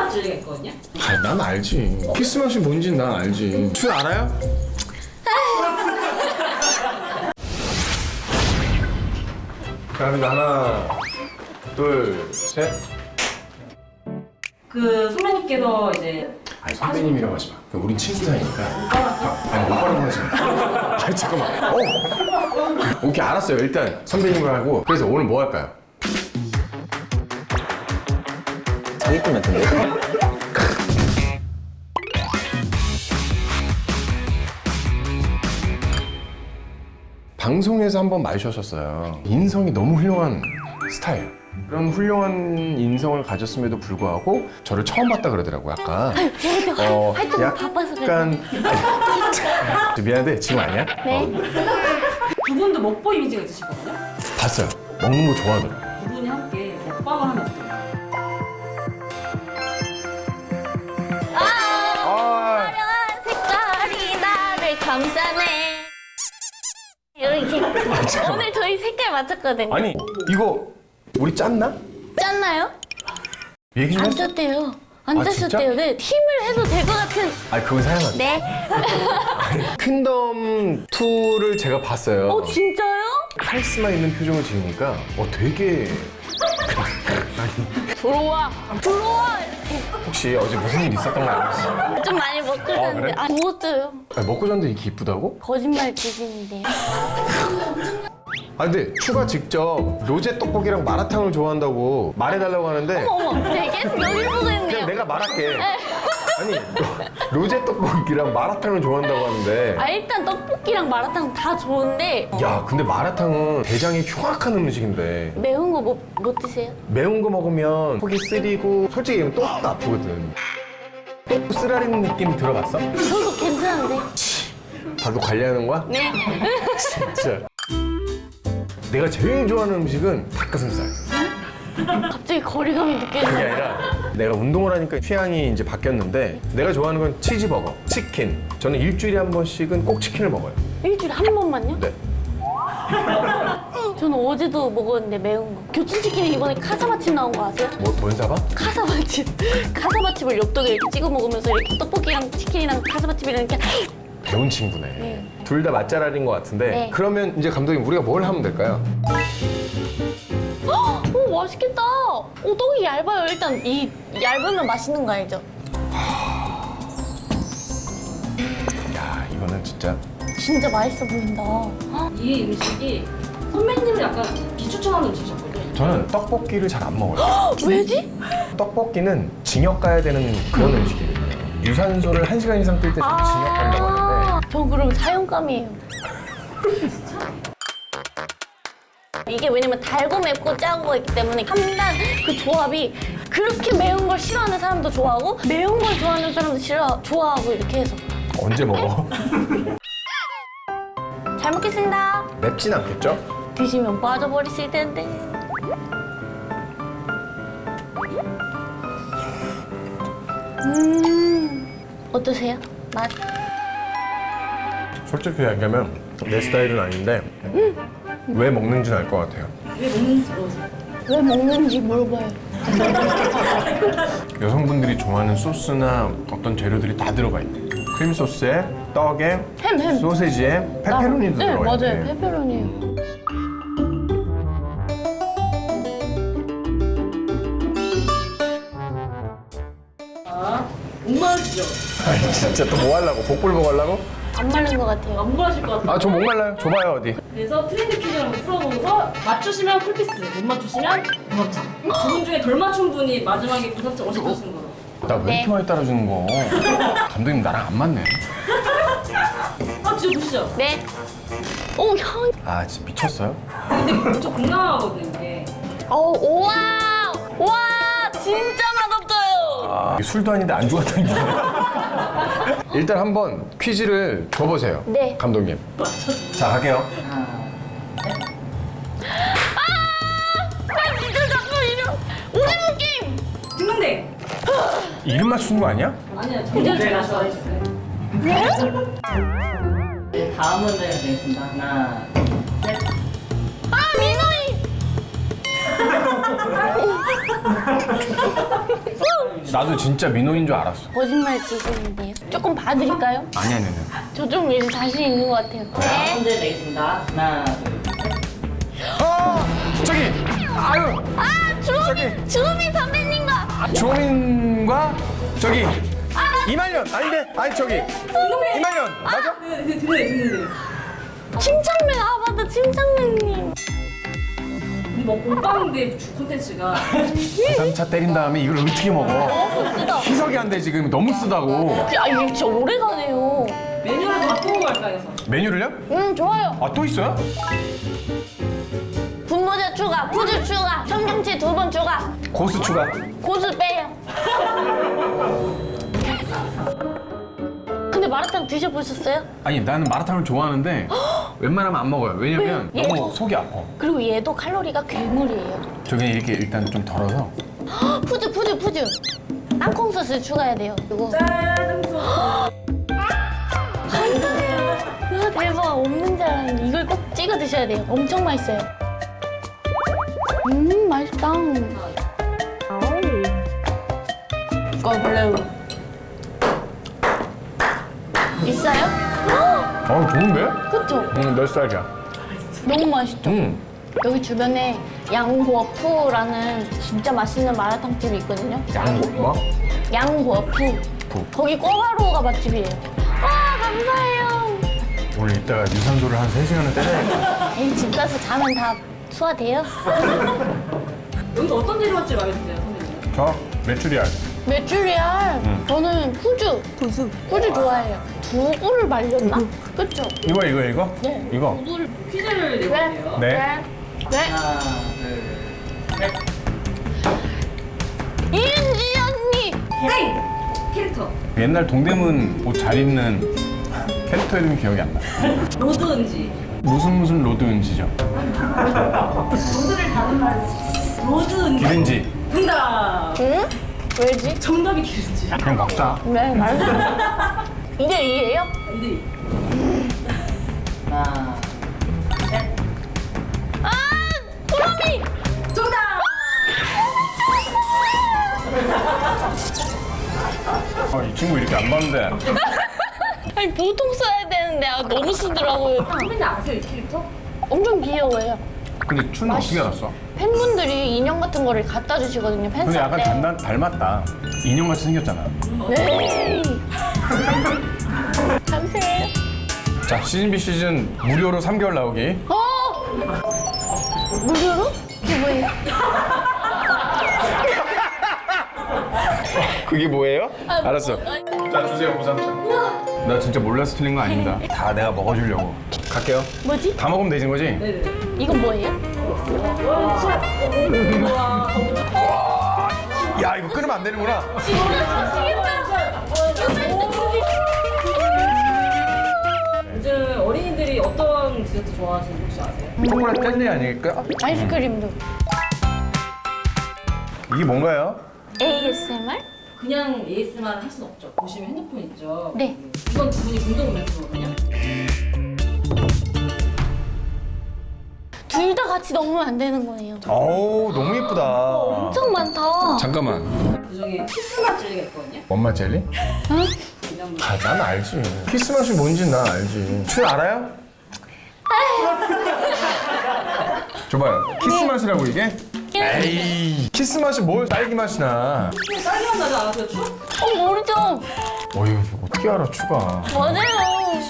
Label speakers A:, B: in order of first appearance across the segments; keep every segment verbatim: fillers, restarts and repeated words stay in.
A: 줄리가 있거든요.
B: 아, 난 알지. 키스 맛이 뭔지 난 알지. 술 알아요? 자, 갑니다. 하나, 둘, 셋.
A: 그 선배님께서 이제
B: 아니, 선배님이라고 하지 마. 우린 친구 사이니까. 아, 아니, 오빠라고 하지 마. 아니, 잠깐만. 어. 오케이, 알았어요. 일단 선배님을 하고. 그래서 오늘 뭐 할까요?
C: 사기꾼 같은데?
B: 방송에서 한번 마주쳤었어요. 인성이 너무 훌륭한 스타일. 그런 훌륭한 인성을 가졌음에도 불구하고 저를 처음 봤다 그러더라고요, 아까.
D: 제가
B: 어,
D: 활동을 바빠서 그래요.
B: 약간 아니, 미안한데 지금 아니야?
D: 네.
A: 두 분도 먹보 이미지가 있으시거든요.
B: 봤어요. 먹는 거 좋아하더라고.
A: 두 분이 함께 먹방을 하면 어때요?
D: 아, 화려한 색깔이 나를 감싸네. 이렇게 오늘 저희 색깔 맞췄거든요.
B: 아니 이거 우리 짰나?
D: 짰나요?
B: 얘기 좀
D: 안
B: 했어?
D: 짰대요. 안
B: 아,
D: 짰었대요. 네, 팀을 해도 될 것 같은.
B: 아니 그건 사양하지.
D: 네.
B: 퀸덤 투를 제가 봤어요.
D: 어 진짜요?
B: 카리스마 있는 표정을 지으니까 어 되게
D: 들어와, 들어와.
B: 혹시 어제 무슨 일 있었던 거 알지?
D: 좀 많이 먹고 잤는데.
B: 그래?
D: 아, 먹었어요.
B: 아니, 먹고 잤는데 이렇게 이쁘다고?
D: 거짓말 치시는데요.
B: 아 근데 추가 직접 로제 떡볶이랑 마라탕을 좋아한다고 말해달라고 하는데
D: 어머, 제가 계속 여기를 보고
B: 그냥
D: 있네요.
B: 내가 말할게. 아니 로, 로제 떡볶이랑 마라탕을 좋아한다고 하는데
D: 아 일단 떡볶이랑 마라탕 다 좋은데
B: 야 근데 마라탕은 대장이 흉악한 음식인데
D: 매운 거 못 못 드세요?
B: 매운 거 먹으면 속이 쓰리고 솔직히 얘기하면 또 아프거든. 또 쓰라리는 느낌 들어봤어?
D: 저도 괜찮은데.
B: 나도 관리하는 거야?
D: 네.
B: 진짜. 내가 제일 좋아하는 음식은 닭가슴살.
D: 갑자기 거리감이
B: 그게
D: 느껴져요.
B: 아니라 내가 운동을 하니까 취향이 이제 바뀌었는데 내가 좋아하는 건 치즈버거, 치킨. 저는 일주일에 한 번씩은 꼭 치킨을 먹어요.
D: 일주일에 한 번만요?
B: 네.
D: 저는 어제도 먹었는데 매운 거. 교촌치킨이 이번에 카사마칩 나온 거 아세요?
B: 뭐, 뭔 사봐?
D: 카사마칩. 카사마칩을 엽떡에 이렇게 찍어 먹으면서 이렇게 떡볶이랑 치킨이랑 카사마칩이랑 이렇게
B: 배운 친구네.
D: 네.
B: 둘 다 맛잘알인 것 같은데
D: 네.
B: 그러면 이제 감독님 우리가 뭘 하면 될까요?
D: 오 맛있겠다. 오 떡이 얇아요. 일단 이 얇으면 맛있는 거 알죠?
B: 야 이거는 진짜
D: 진짜 맛있어 보인다.
A: 이 음식이 선배님을 약간 비추천하는 음식이었거든요.
B: 저는 떡볶이를 잘 안 먹어요.
D: 왜지?
B: 떡볶이는 징역 가야 되는 그런 음식이거든요. 유산소를 한 시간 이상 뜰 때 징역 간다고 하는데
D: 전 그럼 사형감이에요. 이게 왜냐면 달고 맵고 짜고가 있기 때문에 한단 그 조합이 그렇게 매운 걸 싫어하는 사람도 좋아하고 매운 걸 좋아하는 사람도 싫어 좋아하고 이렇게 해서
B: 언제 먹어?
D: 잘 먹겠습니다.
B: 맵진 않겠죠?
D: 드시면 빠져버리실 텐데. 음 어떠세요? 맛?
B: 솔직히 얘기하면 내 스타일은 아닌데 왜 먹는지는 알 것 같아요.
A: 왜 먹는지 물어보세요.
D: 왜 먹는지 물어봐요.
B: 여성분들이 좋아하는 소스나 어떤 재료들이 다 들어가 있대. 크림 소스에 떡에
D: 햄, 햄.
B: 소세지에 페페로니도
D: 네,
B: 들어가 있대.
D: 맞아요. 페페로니요.
A: 자, 목마르시죠?
B: 아니 진짜 또 뭐 하려고? 복불 복 하려고?
D: 안 마른 것 같아요.
A: 안 목마르실 것 같아요.
B: 아 저 목말라요. 줘봐요 어디.
A: 그래서 트렌드 퀴즈를 한번 풀어보고서 맞추시면 쿨피스, 못 맞추시면 부합차. 두 분 중에 덜 맞춘 분이 마지막에 부합차 오십 분 쓰는 거로.
B: 나 왜 이렇게
D: 네.
B: 많이 따라주는 거? 감독님 나랑 안 맞네.
A: 아, 진짜 보시죠.
D: 네. 오 향.
B: 아 진짜 미쳤어요?
A: 근데 진짜 건강하거든요, 이게.
D: 어 우와 와 진짜 맛없어요.
B: 아, 이게 술도 아닌데 안주 같은 게. 일단 한번 퀴즈를 줘보세요.
D: 네.
B: 감독님. 자 갈게요.
D: 아 진짜 자꾸 이런 오징어 게임.
A: 딩동댕!
B: 이름 맞추는 거 아니야?
A: 아니요, 굉장히 제가 좋아했어요. 네, 다음 문제 드리겠습니다. 하나, 셋.
D: 아 민호이.
B: 나도 진짜 민호인 줄 알았어.
D: 거짓말 치시는데요. 조금 봐드릴까요?
B: 아니 아니 아니.
D: 저 좀 이제 자신 있는 것 같아요. 네.
A: 문제 내겠습니다. 하나, 둘, 셋.
B: 어 저기 아유
D: 아, 주호민, 주호민 선배님과
B: 조민과 저기 이말년 아닌데 아니 저기 이말년 맞아?
A: 네, 네, 듣는데, 듣는데.
D: 침착맨, 아 맞다, 침착맨님.
A: 근데 뭐 오빠인데 주 콘텐츠가
B: 삼차 때린 다음에 이걸 어떻게 먹어?
D: 너무 쓰다.
B: 희석이 안 돼 지금 너무 쓰다고.
D: 아, 이게 진짜 오래가네요.
A: 메뉴를 바꾸고 갈까 해서.
B: 메뉴를요?
D: 음, 좋아요.
B: 아 또 있어요?
D: 분모자 추가, 푸즈 추가, 청경채 두 번 추가,
B: 고수 추가.
D: 고수 빼요. 근데 마라탕 드셔보셨어요?
B: 아니 나는 마라탕을 좋아하는데 웬만하면 안 먹어요. 왜냐면
D: 왜요?
B: 너무 속이 아파.
D: 그리고 얘도 칼로리가 괴물이에요.
B: 저기 이렇게 일단 좀 덜어서.
D: 헉, 푸즈, 푸즈, 푸즈. 땅콩 소스 추가해야 돼요. 이거.
A: 짠! 소스.
D: 감사해요. 와, 대박. 없는 줄 알았는데 이걸 꼭 찍어 드셔야 돼요. 엄청 맛있어요. 음, 맛있다. 꺼블레우. 있어요? 헉,
B: 어 좋은데?
D: 그쵸?
B: 응, 몇 살이야?
D: 너무 맛있죠?
B: 응.
D: 여기 주변에 양구어푸라는 진짜 맛있는 마라탕집이 있거든요.
B: 양 뭐?
D: 양구어푸.
B: 푸.
D: 거기 꿔바로우가 맛집이에요. 와, 감사해요.
B: 오늘 이따가 유산소를 한 세 시간을 때려야겠다.
D: 에이, 집 가서 자면 다 소화돼요.
A: 여기서 어떤 재료 맛집 많이 드세요, 선생님?
B: 저 메추리알.
D: 메추리알. 저는 푸즈. 푸즈. 푸즈 좋아해요. 두부를 말렸나? 그쵸?
B: 이거 이거 이거?
D: 네.
B: 이거.
A: 오늘 퀴즈를 내볼게요.
B: 네.
D: 네. 네.
A: 하나, 둘, 셋.
D: 이은지 언니.
A: 땡! 캐릭터.
B: 옛날 동대문 옷 잘 입는 캐릭터 이름이 기억이 안 나.
A: 로드 은지.
B: 무슨 무슨 로드 은지죠?
A: 로드를 다른 말. 로드 은지.
B: 기른지.
A: 정답.
D: 응? 왜지?
A: 정답이 기른지.
B: 그냥 먹자.
D: 네, 말했어. 이게 이예요?
A: 이대 하나, 셋.
D: 아, 도라미.
A: 정답!
B: 아, 이 친구 이렇게 안 봤는데.
D: 아니 보통 써야 되는데 아, 너무 쓰더라고요.
A: 선배님 아세요, 이 캐릭터?
D: 엄청 귀여워요.
B: 근데 춤은 어떻게 알았어?
D: 팬분들이 인형 같은 거를 갖다 주시거든요. 팬사
B: 근데 약간
D: 때.
B: 닮, 닮았다. 인형같이 생겼잖아.
D: 네. 감사해요.
B: 자, 시즌 B 시즌 무료로 삼 개월 나오기.
D: 어? 무료로? 그게 뭐예요?
B: 그게 뭐예요?
D: 아,
B: 알았어.
D: 뭐, 아니,
B: 자, 주세요, 고삼차. 나 진짜 몰라서 틀린 거 아닙니다. 다 내가 먹어주려고. 갈게요.
D: 뭐지?
B: 다 먹으면 되는 거지?
A: 네네.
D: 이건 뭐예요?
B: 야, 이거 끊으면 안 되는구나.
A: 요즘 어린이들이 어떤 디저트 좋아하시는지 혹시 아세요?
B: 초콜릿 젤리 아닐까?
D: 아이스크림도.
B: 이게 뭔가요?
D: 에이에스엠알?
A: 그냥 에이에스엠알을 할 수는 없죠. 보시면 핸드폰 있죠?
D: 네.
A: 이건 두 분이 공동 멘트거든요.
D: 둘 다 같이 넣으면 안 되는 거예요.
B: 어우, 너무 예쁘다.
D: 엄청 많다.
B: 잠깐만.
A: 그중에 키스맛 젤리가 있거든요.
B: 엄마 젤리?
D: 응?
A: 그냥
B: 아, 난 알지. 키스 맛이 뭔지 난 알지. 춘 알아요? 줘봐요. 키스 맛이라고 이게? 에이, 키스 맛이 뭘 딸기 맛이 나.
A: 딸기맛 나지 않았어요, 추?
D: 어, 모르죠?
B: 어휴, 어떻게 알아, 추가.
D: 맞아요.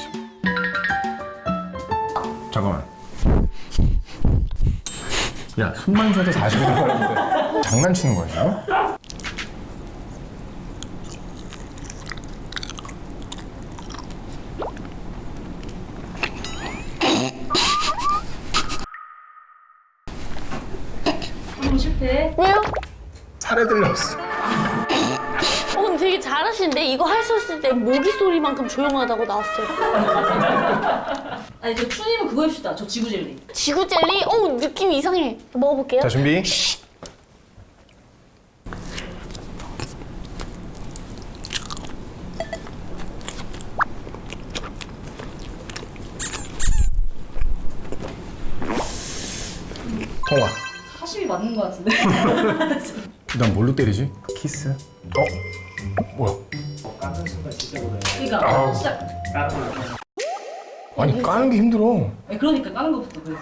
B: 잠깐만. 야, 숨만 쉬어도 사십 분 걸리는데 장난치는 거야, 지금?
A: 한번 실패.
D: 왜요?
B: 살에 들렸어.
D: 어, 근데 되게 잘하시는데 이거 하셨을 때 모기 소리만큼 조용하다고 나왔어요.
A: 아니, 저 추님은 그거 해봅시다. 저 지구 젤리.
D: 지구 젤리? 어, 느낌 이상해. 먹어볼게요.
B: 자, 준비. 통화.
A: 사십이 맞는 것 같은데.
B: 난 뭘로 때리지? 키스? 어? 뭐야?
A: 그러니까
B: 아우.
A: 시작.
B: 아니 까는 게 힘들어.
A: 네, 그러니까 까는 것부터 그래.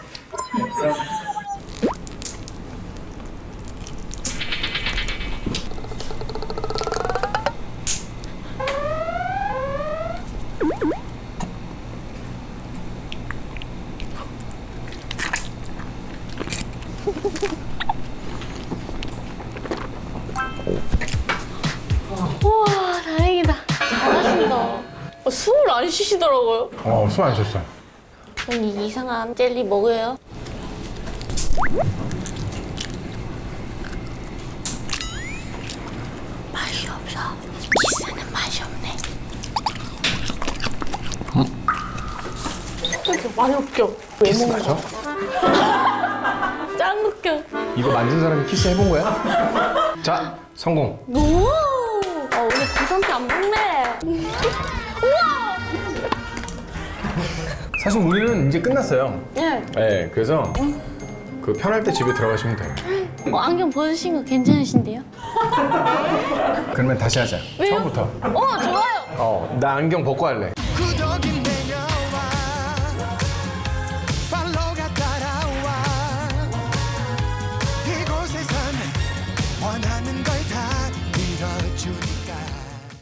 D: 우와, 다행이다. 잘하신다. 어, 숨을 안 쉬시더라고요.
B: 어, 손 안 쳤어.
D: 언니 이상한 젤리 먹어요? 맛이 없어. 키스는 맛이 없네. 이렇게 많이 웃겨. 왜
B: 키스
D: 먹는
B: 맞아?
D: 거야? 짱 웃겨.
B: 이거 만든 사람이 키스 해본 거야? 자, 성공.
D: 오! 어, 우리 구성태 안 먹네. 우와!
B: 사실 우리는 이제 끝났어요.
D: 네.
B: 네, 그래서 그 편할 때 집에 들어가시면 돼요.
D: 어, 안경 벗으신 거 괜찮으신데요?
B: 그러면 다시 하자.
D: 왜요?
B: 처음부터.
D: 어, 좋아요.
B: 어, 나 안경 벗고 할래.